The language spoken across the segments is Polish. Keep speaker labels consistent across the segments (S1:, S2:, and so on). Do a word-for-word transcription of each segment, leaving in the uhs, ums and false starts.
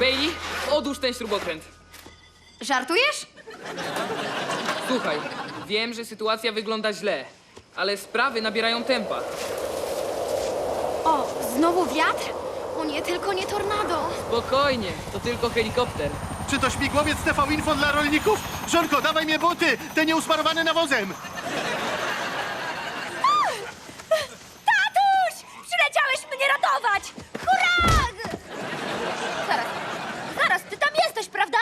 S1: Bailey, odłóż ten śrubokręt.
S2: Żartujesz?
S1: Słuchaj, wiem, że sytuacja wygląda źle, ale sprawy nabierają tempa.
S2: O, znowu wiatr? O nie, tylko nie tornado.
S1: Spokojnie, to tylko helikopter.
S3: Czy to śmigłowiec T V Info dla rolników? Żonko, dawaj mnie buty, te nieusmarowane nawozem.
S2: Tatuś! Przyleciałeś mnie ratować! Hurra! Zaraz, zaraz, ty tam jesteś, prawda?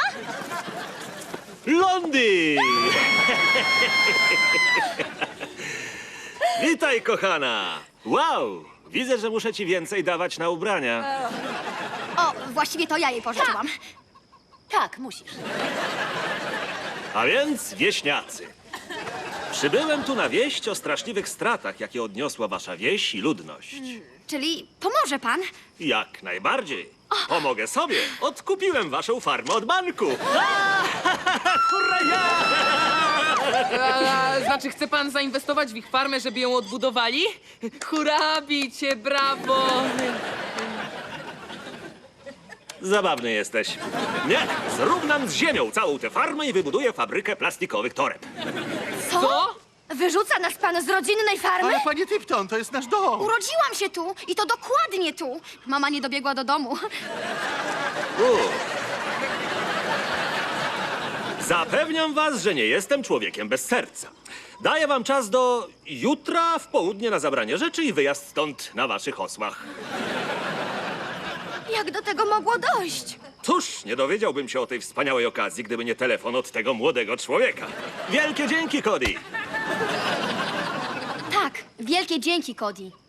S4: Blondy! Witaj, kochana! Wow! Widzę, że muszę ci więcej dawać na ubrania.
S2: O, właściwie to ja jej pożyczyłam.
S5: Tak, musisz.
S4: A więc, wieśniacy. Przybyłem tu na wieść o straszliwych stratach, jakie odniosła wasza wieś i ludność.
S2: Czyli pomoże pan?
S4: Jak najbardziej. Pomogę sobie. Odkupiłem waszą farmę od banku. Hurra!
S1: A, znaczy, chce pan zainwestować w ich farmę, żeby ją odbudowali? Hurra, bicie, brawo!
S4: Zabawny jesteś. Nie, zrównam z ziemią całą tę farmę i wybuduję fabrykę plastikowych toreb.
S2: Co?
S1: Co?
S2: Wyrzuca nas pan z rodzinnej farmy?
S3: Ale panie Tipton, to jest nasz dom.
S2: Urodziłam się tu i to dokładnie tu. Mama nie dobiegła do domu.
S4: U. Zapewniam was, że nie jestem człowiekiem bez serca. Daję wam czas do jutra w południe na zabranie rzeczy i wyjazd stąd na waszych osłach.
S2: Jak do tego mogło dojść?
S4: Cóż, nie dowiedziałbym się o tej wspaniałej okazji, gdyby nie telefon od tego młodego człowieka. Wielkie dzięki, Cody!
S2: Tak, wielkie dzięki, Cody.